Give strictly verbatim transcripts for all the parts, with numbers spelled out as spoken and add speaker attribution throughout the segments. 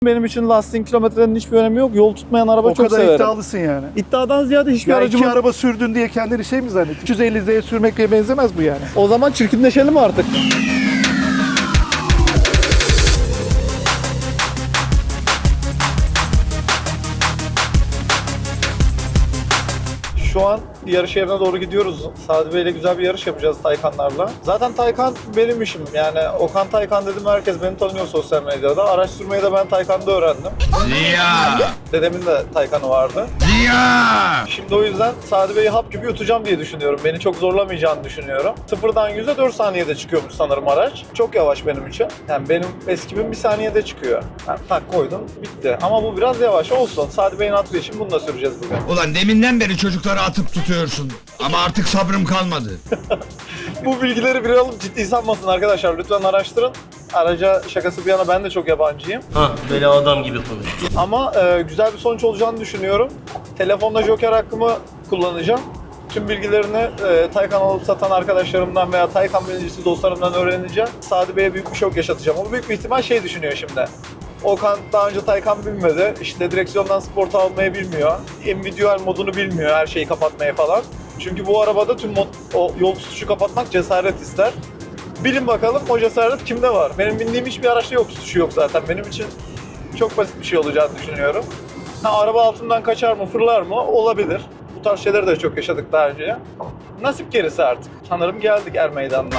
Speaker 1: Benim için lastiğin kilometrenin hiçbir önemi yok. Yol tutmayan araba
Speaker 2: o
Speaker 1: çok severim.
Speaker 2: O kadar iddialısın yani.
Speaker 1: İddiadan ziyade hiçbir
Speaker 2: Ya
Speaker 1: aracımın...
Speaker 2: iki araba sürdün diye kendini şey mi zannettin? üç yüz elli Z'ye sürmekle benzemez bu yani.
Speaker 1: O zaman çirkinleşelim artık. Şu an yarış yerine doğru gidiyoruz. Sadi Bey'le güzel bir yarış yapacağız Taycanlarla. Zaten Taycan benim işim. Yani Okan Taycan dedim, herkes beni tanıyor sosyal medyada. Araç sürmeyi de ben Taycan'da öğrendim.
Speaker 3: Ziya!
Speaker 1: Dedemin de Taycan'ı vardı.
Speaker 3: Ziya!
Speaker 1: Şimdi o yüzden Sadi Bey'i hap gibi yutacağım diye düşünüyorum. Beni çok zorlamayacağını düşünüyorum. Sıfırdan yüze dört saniyede çıkıyormuş sanırım araç. Çok yavaş benim için. Yani benim eskibim bir saniyede çıkıyor. Yani tak koydum, bitti. Ama bu biraz yavaş olsun. Sadi Bey'in attığı için bunu da süreceğiz bugün.
Speaker 3: Ulan deminden beri çocukları atıp tutuyorsun. Ama artık sabrım kalmadı.
Speaker 1: Bu bilgileri bir alıp ciddi sanmasın arkadaşlar. Lütfen araştırın. Araca şakası bir yana ben de çok yabancıyım.
Speaker 4: Ha böyle adam gibi konuş.
Speaker 1: Ama e, güzel bir sonuç olacağını düşünüyorum. Telefonda Joker hakkımı kullanacağım. Tüm bilgilerini e, Taycan alıp satan arkadaşlarımdan veya Taycan binicisi dostlarımdan öğreneceğim. Sadi Bey'e büyük bir şok yaşatacağım. O büyük bir ihtimal şey düşünüyor şimdi. Okan daha önce Taycan bilmedi. İşte direksiyondan sport almayı bilmiyor. Individual modunu bilmiyor, her şeyi kapatmayı falan. Çünkü bu arabada tüm mod, o yol tutuşu kapatmak cesaret ister. Bilin bakalım o cesaret kimde var? Benim bindiğim hiçbir araçta yol tutuşu yok zaten. Benim için çok basit bir şey olacağını düşünüyorum. Ha, araba altından kaçar mı, fırlar mı? Olabilir. Bu tarz şeyleri de çok yaşadık daha önce. Nasip gerisi artık. Sanırım geldik er meydanına.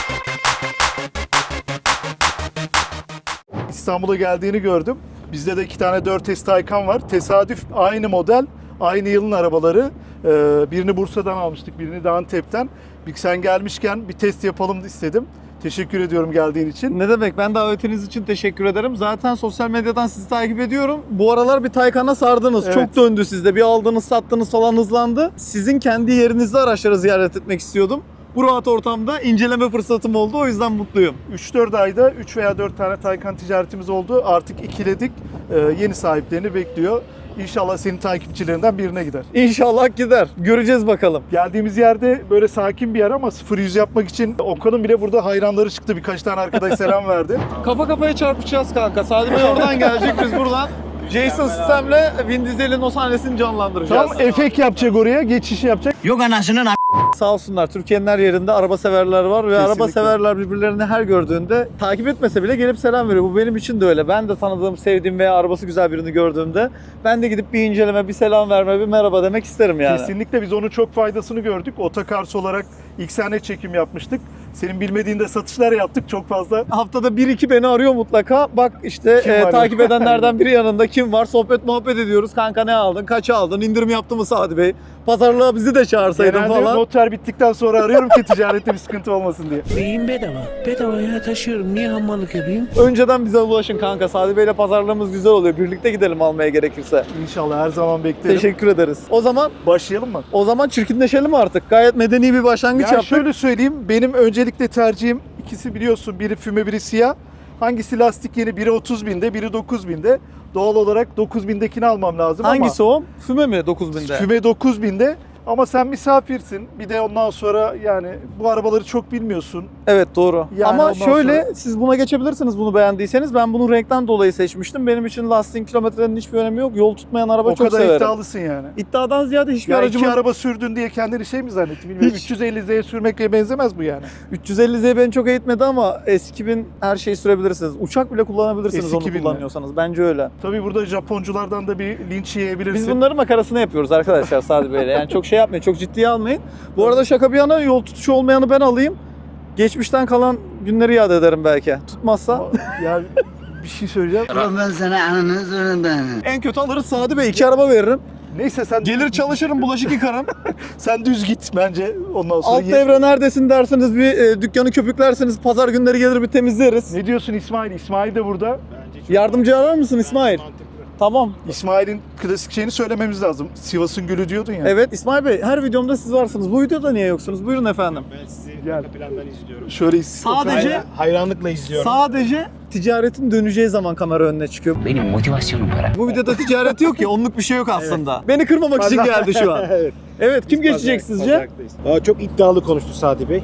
Speaker 2: İstanbul'a geldiğini gördüm. Bizde de iki tane dört S Taycan var. Tesadüf aynı model, aynı yılın arabaları. Ee, birini Bursa'dan almıştık, birini de Antep'ten. Bir sen gelmişken bir test yapalım istedim. Teşekkür ediyorum geldiğin için.
Speaker 1: Ne demek? Ben davetiniz için teşekkür ederim. Zaten sosyal medyadan sizi takip ediyorum. Bu aralar bir Taycan'a sardınız.
Speaker 2: Evet.
Speaker 1: Çok döndü sizde. Bir aldınız, sattınız falan hızlandı. Sizin kendi yerinizde araçları ziyaret etmek istiyordum. Bu rahat ortamda inceleme fırsatım oldu. O yüzden mutluyum.
Speaker 2: üç dört ayda üç veya dört tane Taycan ticaretimiz oldu. Artık ikiledik. Ee, yeni sahiplerini bekliyor. İnşallah senin takipçilerinden birine gider.
Speaker 1: İnşallah gider. Göreceğiz bakalım.
Speaker 2: Geldiğimiz yerde böyle sakin bir yer ama sıfır yüz yapmak için Okan'ın bile burada hayranları çıktı. Birkaç tane arkadaş selam verdi.
Speaker 1: Kafa kafaya çarpışacağız kanka. Sadi Bey oradan gelecek, biz buradan. Jason sistemle Vin Diesel'in o sahnesini canlandıracağız.
Speaker 2: Tam efekt yapacak oraya, geçiş yapacak.
Speaker 4: Yok anasının
Speaker 1: Sağ olsunlar, Türkiye'nin her yerinde araba severler var ve
Speaker 2: Kesinlikle.
Speaker 1: araba severler birbirlerini her gördüğünde takip etmese bile gelip selam veriyor. Bu benim için de öyle. Ben de tanıdığım, sevdiğim veya arabası güzel birini gördüğümde ben de gidip bir inceleme, bir selam verme, bir merhaba demek isterim yani.
Speaker 2: Kesinlikle biz onun çok faydasını gördük. Otokars olarak ilk sene çekim yapmıştık. Senin bilmediğinde satışlar yaptık çok fazla.
Speaker 1: Haftada bir iki beni arıyor mutlaka. Bak işte
Speaker 2: Kim
Speaker 1: e,
Speaker 2: var
Speaker 1: takip
Speaker 2: ya?
Speaker 1: edenlerden biri yanında, kim var? Sohbet muhabbet ediyoruz. Kanka ne aldın? Kaça aldın? İndirim yaptı mı Sadi Bey? Pazarlığa bizi de çağırsaydın
Speaker 2: Genelde
Speaker 1: falan.
Speaker 2: noter bittikten sonra arıyorum ki ticarette bir sıkıntı olmasın diye.
Speaker 5: Beyin bedava. Bedavaya taşıyorum. Niye hammallık yapayım?
Speaker 1: Önceden bize ulaşın kanka. Sadi Bey'le pazarlığımız güzel oluyor. Birlikte gidelim almaya gerekirse.
Speaker 2: İnşallah her zaman beklerim.
Speaker 1: Teşekkür ederiz. O zaman
Speaker 2: Başlayalım mı?
Speaker 1: o zaman çirkinleşelim artık. Gayet medeni bir başlangıç
Speaker 2: Yani
Speaker 1: yaptık.
Speaker 2: şöyle söyleyeyim, benim öncelikle tercihim ikisi biliyorsun, biri füme biri siyah. Hangisi lastik yeni? Biri otuz binde, biri dokuz binde. Doğal olarak dokuz bindekini almam lazım
Speaker 1: Hangisi o? Füme mi dokuz binde?
Speaker 2: ama füme dokuz binde. Ama sen misafirsin. Bir de ondan sonra yani bu arabaları çok bilmiyorsun.
Speaker 1: Evet doğru.
Speaker 2: Yani
Speaker 1: Ama
Speaker 2: ondan
Speaker 1: şöyle
Speaker 2: sonra-
Speaker 1: siz buna geçebilirsiniz bunu beğendiyseniz. Ben bunu renkten dolayı seçmiştim. Benim için lastiğin kilometrenin hiçbir önemi yok. Yol tutmayan araba
Speaker 2: O
Speaker 1: çok
Speaker 2: kadar
Speaker 1: severim.
Speaker 2: iddialısın yani.
Speaker 1: İddiadan ziyade hiçbir
Speaker 2: Ya
Speaker 1: aracımın...
Speaker 2: iki araba sürdün diye kendini şey mi zannettin bilmiyorum.
Speaker 1: Hiç.
Speaker 2: üç yüz elli Z'ye sürmekle benzemez bu yani.
Speaker 1: üç yüz elli Z beni çok eğitmedi ama S iki bin her şeyi sürebilirsiniz. Uçak bile kullanabilirsiniz
Speaker 2: S
Speaker 1: onu
Speaker 2: iki bin mi?
Speaker 1: kullanıyorsanız. Bence öyle.
Speaker 2: Tabii burada Japonculardan da bir linç yiyebilirsin.
Speaker 1: Biz bunların makarasını yapıyoruz arkadaşlar Sadi Bey'le. Yani çok şey yapmayın, çok ciddiye almayın. Bu arada şaka bir yana yol tutuşu olmayanı ben alayım. Geçmişten kalan günleri yad ederim belki. Tutmazsa.
Speaker 2: Ya bir şey söyleyeceğim.
Speaker 5: Ben sana ananı zorundayım.
Speaker 1: En kötü alırız Sadi Bey. iki araba veririm.
Speaker 2: Neyse sen
Speaker 1: Gelir çalışırım, bulaşık yıkarım.
Speaker 2: sen düz git bence. Ondan sonra
Speaker 1: Alt
Speaker 2: ye-
Speaker 1: devre neredesin dersiniz, bir e, dükkanı köpüklersiniz. Pazar günleri gelir bir temizleriz.
Speaker 2: Ne diyorsun İsmail? İsmail de burada.
Speaker 1: Yardımcı arar mısın İsmail? Tamam.
Speaker 2: İsmail'in klasik şeyini söylememiz lazım. Sivas'ın gülü diyordun ya.
Speaker 1: Evet İsmail Bey, her videomda siz varsınız. Bu videoda niye yoksunuz? Buyurun efendim.
Speaker 6: Ben sizi
Speaker 2: Gel.
Speaker 6: arka plandan izliyorum.
Speaker 2: Şöyle
Speaker 1: Sadece
Speaker 6: Hayra- hayranlıkla izliyorum.
Speaker 1: sadece ticaretin döneceği zaman kamera önüne çıkıyor.
Speaker 5: Benim motivasyonum para.
Speaker 1: Bu videoda ticaret yok ya, onluk bir şey yok aslında. Beni kırmamak için geldi şu an.
Speaker 6: Evet.
Speaker 1: Evet, kim
Speaker 6: Biz
Speaker 1: geçecek
Speaker 6: pazar-
Speaker 1: sizce?
Speaker 6: pazarlıktayız. Aa, çok iddialı konuştu Sadi Bey.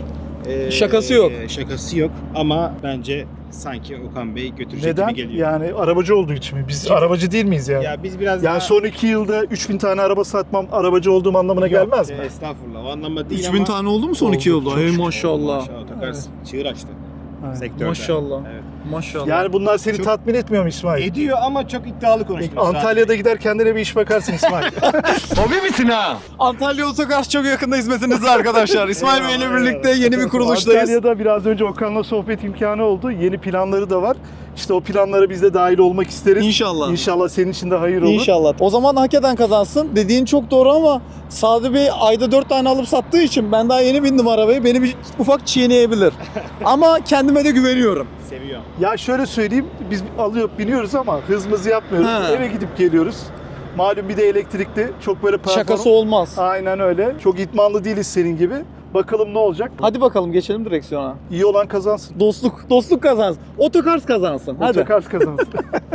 Speaker 6: Ee,
Speaker 1: Şakası yok.
Speaker 6: Şakası yok ama bence sanki Okan Bey götürecek
Speaker 2: Neden?
Speaker 6: gibi geliyor.
Speaker 2: Yani arabacı olduğu için mi? Biz arabacı değil miyiz yani?
Speaker 6: Ya biz biraz
Speaker 2: Yani
Speaker 6: daha...
Speaker 2: son iki yılda üç bin tane araba satmam arabacı olduğum anlamına gelmez mi?
Speaker 6: Yok, Estağfurullah, o anlamda değil
Speaker 1: üç
Speaker 6: ama...
Speaker 1: bin tane oldu mu son
Speaker 2: Oldu,
Speaker 1: iki yılda?
Speaker 2: çok
Speaker 1: Hey
Speaker 2: şükür.
Speaker 1: maşallah.
Speaker 6: Maşallah, Otokar çığır açtı
Speaker 2: Evet.
Speaker 6: sektörde.
Speaker 1: Maşallah.
Speaker 6: Evet.
Speaker 1: Maşallah.
Speaker 2: Yani bunlar seni
Speaker 6: Çok-
Speaker 2: tatmin etmiyor mu İsmail?
Speaker 6: Ediyor ama çok iddialı konuştuk.
Speaker 2: Antalya'da gider kendine bir iş bakarsın İsmail.
Speaker 3: Hobi misin ha?
Speaker 1: Antalya Otokar çok yakında hizmetinizde arkadaşlar. İsmail Bey ile
Speaker 2: Eyvallah,
Speaker 1: birlikte
Speaker 2: eyvallah.
Speaker 1: yeni bir kuruluştayız.
Speaker 2: Antalya'da biraz önce Okan'la sohbet imkanı oldu. Yeni planları da var. İşte o planlara biz de dahil olmak isteriz.
Speaker 1: İnşallah.
Speaker 2: İnşallah senin için de hayır olur.
Speaker 1: İnşallah. O zaman hak eden kazansın. Dediğin çok doğru ama Sadi Bey ayda dört tane alıp sattığı için ben daha yeni bindim arabaya. Beni bir ufak çiğneyebilir. Ama kendime de güveniyorum.
Speaker 6: Seviyor.
Speaker 2: Ya şöyle söyleyeyim, biz alıyor biniyoruz ama hızımızı yapmıyoruz.
Speaker 1: Ha.
Speaker 2: Eve gidip geliyoruz. Malum bir de elektrikli. Çok böyle performans.
Speaker 1: Şakası olmaz.
Speaker 2: Aynen öyle. Çok itmanlı değiliz senin gibi. Bakalım ne olacak?
Speaker 1: Hadi bakalım geçelim direksiyona.
Speaker 2: İyi olan kazansın.
Speaker 1: Dostluk, dostluk kazansın. Otokars kazansın. Hadi.
Speaker 2: Otokars kazansın.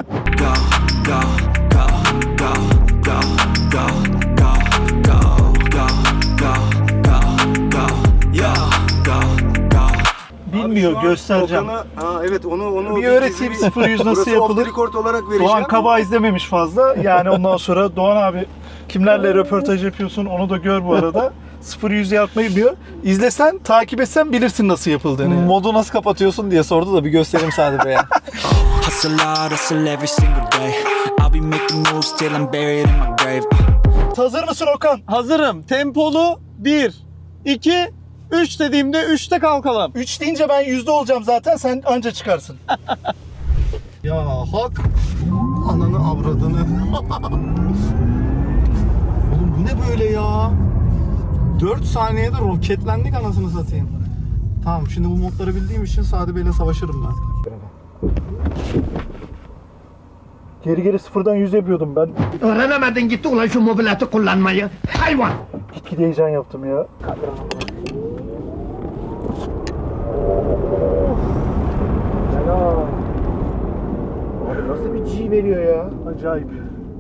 Speaker 2: Bilmiyor, göstereceğim.
Speaker 7: Ha evet onu onu
Speaker 2: Bir öğreteyim sıfır yüz nasıl yapılır.
Speaker 7: Record olarak vereceğim.
Speaker 2: Doğan Kaba izlememiş fazla. Yani ondan sonra Doğan abi kimlerle röportaj yapıyorsun onu da gör bu arada. sıfır yüz yapmayı biliyor. İzlesen, takip etsen bilirsin nasıl yapıldığını. yani.
Speaker 1: Modu nasıl kapatıyorsun diye sordu da bir göstereyim Sadi Bey'e.
Speaker 8: Hustle hard, hustle every single day. I'll be making moves till I'm buried in my grave.
Speaker 2: Hazır mısın Okan?
Speaker 1: Hazırım. Tempolu bir, iki, üç dediğimde üçte kalkalım.
Speaker 2: üç deyince ben yüzde olacağım zaten, sen anca çıkarsın.
Speaker 1: Ya hak. Ananı avradını. Oğlum bu ne böyle ya? dört saniyede roketlendik anasını satayım. Tamam şimdi bu modları bildiğim için Sadi Bey'le savaşırım ben.
Speaker 2: Geri geri sıfırdan yüz yapıyordum ben.
Speaker 5: Öğrenemedin gitti ulan şu mobileti kullanmayı. Hayvan.
Speaker 2: Gitgide heyecan yaptım ya.
Speaker 7: Abi nasıl bir G veriyor ya?
Speaker 2: Acayip.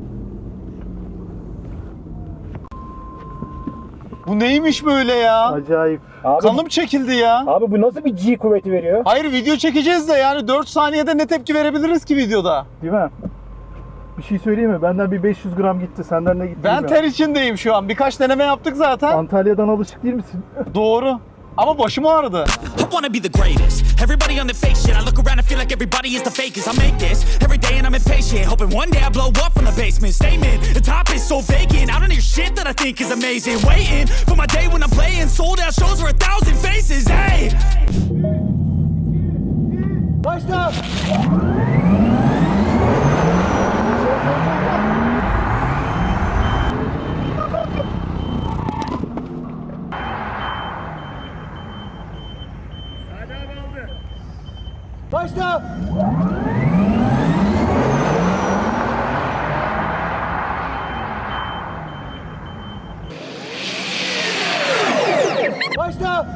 Speaker 1: Bu neymiş böyle ya?
Speaker 2: Acayip.
Speaker 7: Abi,
Speaker 1: Kanım çekildi ya.
Speaker 7: abi bu nasıl bir G kuvveti veriyor?
Speaker 1: Hayır video çekeceğiz de yani dört saniyede ne tepki verebiliriz ki videoda?
Speaker 2: Değil mi? Bir şey söyleyeyim mi? Benden bir beş yüz gram gitti. Senden ne gitti?
Speaker 1: Ben
Speaker 2: bilmiyorum.
Speaker 1: ter içindeyim şu an. Birkaç deneme yaptık zaten.
Speaker 2: Antalya'dan alışık değil misin?
Speaker 1: Doğru. Ama başım ağrıdı.
Speaker 8: I wanna be the greatest. Everybody on the fake shit. I look around and feel like everybody is the fakest. I make this every day and I'm impatient. Hoping one day I blow up from the basement. Statement, the top is so vacant. I don't hear shit that I think is amazing. Waiting for my day when I'm playing sold out shows for a thousand faces. Hey!
Speaker 7: Başla! Başla! Başla!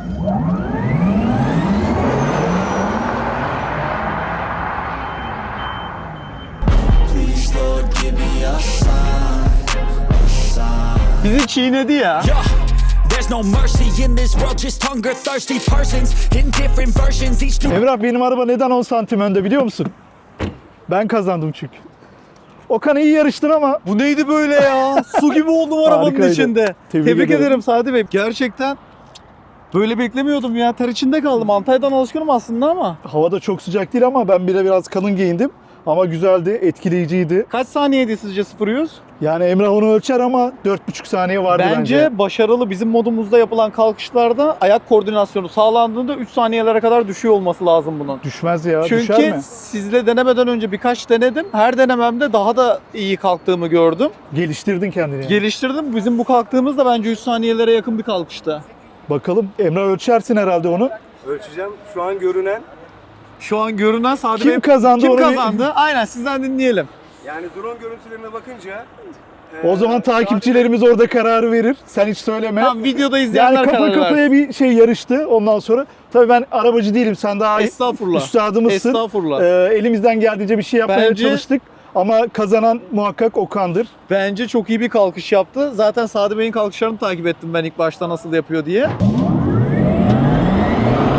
Speaker 8: Please, Lord, give me a sign. A sign.
Speaker 1: Bizi çiğnedi ya.
Speaker 8: Yeah. There's no mercy in this world, just hunger thirsty persons in different versions. Each new
Speaker 2: Emrah, benim araba neden on santim önde biliyor musun? Ben kazandım çünkü. Okan iyi yarıştın ama
Speaker 1: Bu neydi böyle ya? Su gibi oldum arabanın
Speaker 2: Harikaydı.
Speaker 1: içinde.
Speaker 2: Tebrik
Speaker 1: Tebrik,
Speaker 2: ederim.
Speaker 1: ederim Sadi Bey. Gerçekten böyle beklemiyordum ya. Ter içinde kaldım. Antalya'dan alışkınım aslında ama.
Speaker 2: havada çok sıcak değil ama ben bile biraz kalın giyindim. Ama güzeldi, etkileyiciydi.
Speaker 1: Kaç saniyeydi sizce sıfır yüz?
Speaker 2: Yani Emrah onu ölçer ama dört buçuk saniye vardı
Speaker 1: Bence,
Speaker 2: bence.
Speaker 1: başarılı. Bizim modumuzda yapılan kalkışlarda ayak koordinasyonu sağlandığında üç saniyelere kadar düşüyor olması lazım bunun.
Speaker 2: Düşmez ya, düşer
Speaker 1: Çünkü
Speaker 2: mi?
Speaker 1: sizle denemeden önce birkaç denedim. Her denememde daha da iyi kalktığımı gördüm.
Speaker 2: Geliştirdin kendini. yani.
Speaker 1: Geliştirdim. Bizim bu kalktığımız da bence üç saniyelere yakın bir kalkışta.
Speaker 2: Bakalım, Emrah ölçersin herhalde onu.
Speaker 7: Ölçeceğim. Şu an görünen,
Speaker 1: Şu an görünen Sadi
Speaker 2: Kim
Speaker 1: Bey-
Speaker 2: kazandı
Speaker 1: Kim
Speaker 2: onu bir-
Speaker 1: kazandı? Aynen sizden dinleyelim.
Speaker 7: yani drone görüntülerine bakınca
Speaker 2: O zaman takipçilerimiz orada kararı verir. Sen hiç söyleme.
Speaker 1: Tamam videoda izleyenler
Speaker 2: Yani kafa
Speaker 1: karar
Speaker 2: kafaya
Speaker 1: versin.
Speaker 2: bir şey yarıştı ondan sonra. Tabii ben arabacı değilim, sen daha
Speaker 1: Estağfurullah.
Speaker 2: üstadımızsın.
Speaker 1: Estağfurullah.
Speaker 2: Ee, elimizden geldiğince bir şey yapmaya
Speaker 1: Bence-
Speaker 2: çalıştık. Ama kazanan muhakkak Okan'dır.
Speaker 1: Bence çok iyi bir kalkış yaptı. Zaten Sadi Bey'in kalkışlarını takip ettim ben ilk başta nasıl yapıyor diye.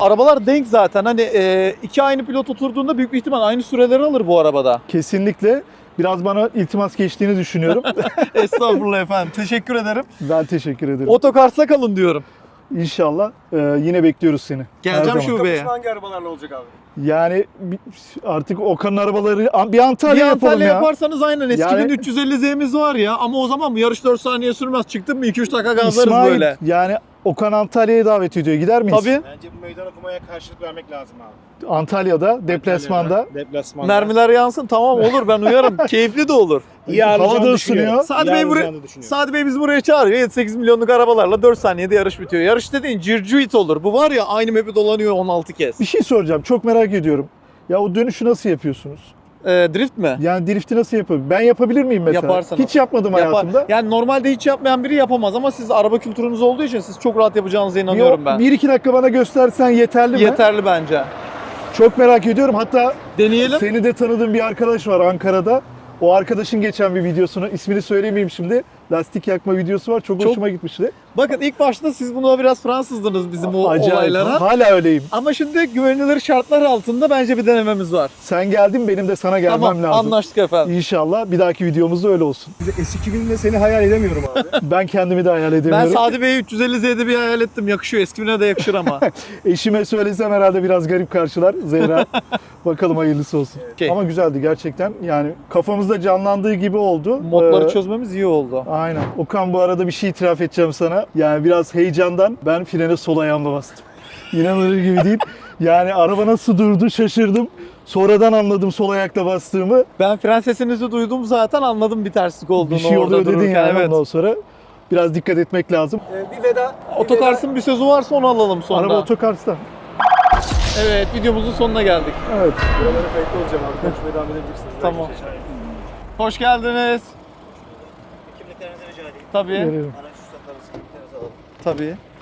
Speaker 1: arabalar denk zaten. Hani e, iki aynı pilot oturduğunda büyük bir ihtimal aynı süreleri alır bu arabada.
Speaker 2: Kesinlikle. Biraz bana iltimas geçtiğini düşünüyorum.
Speaker 1: Estağfurullah efendim. Teşekkür ederim.
Speaker 2: Ben teşekkür ederim.
Speaker 1: Otokars'ta kalın diyorum.
Speaker 2: İnşallah e, yine bekliyoruz seni. Her
Speaker 1: Geleceğim
Speaker 2: zaman.
Speaker 1: şubeye.
Speaker 7: Hangi arabalarla olacak abi?
Speaker 2: Yani bir- artık Okan'ın arabaları bir Antalya
Speaker 1: Bir
Speaker 2: yapalım
Speaker 1: Antalya
Speaker 2: ya.
Speaker 1: yaparsanız aynen eski
Speaker 2: Yani-
Speaker 1: bin üç yüz elli Z'miz var ya ama o zaman bu yarış dört saniye sürmez. Çıktın mı iki üç dakika gazlarız
Speaker 2: İsmail,
Speaker 1: böyle.
Speaker 2: yani Okan Antalya'ya davet ediyor. Gider miyiz?
Speaker 1: Tabii.
Speaker 7: Bence bu meydan okumaya karşılık vermek lazım abi.
Speaker 2: Antalya'da, deplasmanda.
Speaker 6: Deplasmanda.
Speaker 1: Mermiler yansın tamam olur ben uyarım. Keyifli de olur.
Speaker 6: İyi
Speaker 2: Havada
Speaker 6: ağırlayacağını
Speaker 2: ısınıyor.
Speaker 6: düşünüyorum.
Speaker 1: Sadi
Speaker 6: İyi
Speaker 1: Bey, buraya,
Speaker 6: ağırlayacağını düşünüyorum.
Speaker 1: Sadi Bey bizi buraya çağırıyor. yedi sekiz milyonluk arabalarla dört saniyede yarış bitiyor. Yarış dediğin circuit olur. Bu var ya aynı map'i dolanıyor on altı kez.
Speaker 2: Bir şey soracağım. Çok merak ediyorum. Ya o dönüşü nasıl yapıyorsunuz?
Speaker 1: Ee, drift mi?
Speaker 2: Yani drifti nasıl yapabilirim? Ben yapabilir miyim mesela?
Speaker 1: Yaparsınız.
Speaker 2: Hiç yapmadım
Speaker 1: Yapar.
Speaker 2: hayatımda.
Speaker 1: Yani normalde hiç yapmayan biri yapamaz ama siz araba kültürünüz olduğu için siz çok rahat yapacağınıza inanıyorum
Speaker 2: Bir,
Speaker 1: ben.
Speaker 2: bir iki dakika bana göstersen yeterli mi?
Speaker 1: Yeterli bence.
Speaker 2: Çok merak ediyorum. Hatta
Speaker 1: Deneyelim.
Speaker 2: seni de tanıdığım bir arkadaş var Ankara'da. O arkadaşın geçen bir videosunu, ismini söylemeyeyim şimdi. Lastik yakma videosu var. Çok,
Speaker 1: Çok-
Speaker 2: hoşuma gitmişti.
Speaker 1: Bakın ilk başta siz buna biraz Fransızdınız bizim o
Speaker 2: Acayip.
Speaker 1: olaylara.
Speaker 2: Hala öyleyim.
Speaker 1: Ama şimdi güvenilir şartlar altında bence bir denememiz var.
Speaker 2: Sen geldin, benim de sana gelmem
Speaker 1: Tamam
Speaker 2: lazım.
Speaker 1: anlaştık efendim.
Speaker 2: İnşallah bir dahaki videomuzda öyle olsun.
Speaker 7: S iki binle seni hayal edemiyorum abi.
Speaker 2: Ben kendimi de hayal
Speaker 1: Ben
Speaker 2: edemiyorum.
Speaker 1: Sadi Bey'i üç yüz elli Z'de bir hayal ettim. Yakışıyor. Eski bine de yakışır ama.
Speaker 2: Eşime söylesem herhalde biraz garip karşılar Zehra. Bakalım hayırlısı olsun.
Speaker 1: Okey.
Speaker 2: Ama güzeldi gerçekten. Yani kafamızda canlandığı gibi oldu.
Speaker 1: Modları
Speaker 2: Ee,
Speaker 1: çözmemiz iyi oldu.
Speaker 2: Aynen. Okan, bu arada bir şey itiraf edeceğim sana. Yani biraz heyecandan ben frene sol ayağımla bastım. İnanılır gibi değil. Yani araba nasıl durdu şaşırdım. Sonradan anladım sol ayakla bastığımı.
Speaker 1: Ben fren sesinizi duydum zaten anladım bir terslik olduğunu
Speaker 2: Bir şey
Speaker 1: orada
Speaker 2: oluyor dedin
Speaker 1: dururken.
Speaker 2: yani
Speaker 1: Evet.
Speaker 2: ondan sonra. Biraz dikkat etmek lazım.
Speaker 7: Ee, bir veda.
Speaker 1: Otokars'ın bir sözü varsa onu alalım sonra.
Speaker 2: Araba otokars'ta.
Speaker 1: Evet videomuzun sonuna geldik.
Speaker 2: Evet.
Speaker 7: Buralara kayıtlı olacağım abi. Konuşmaya devam edebilirsiniz.
Speaker 1: Tamam. Hoş geldiniz.
Speaker 4: Kimliklerinizi rica edeyim.
Speaker 1: Tabii.
Speaker 2: Veriyorum.
Speaker 4: Araç ruhsatlarınızı kimliklerinizi alalım.
Speaker 1: Tabii.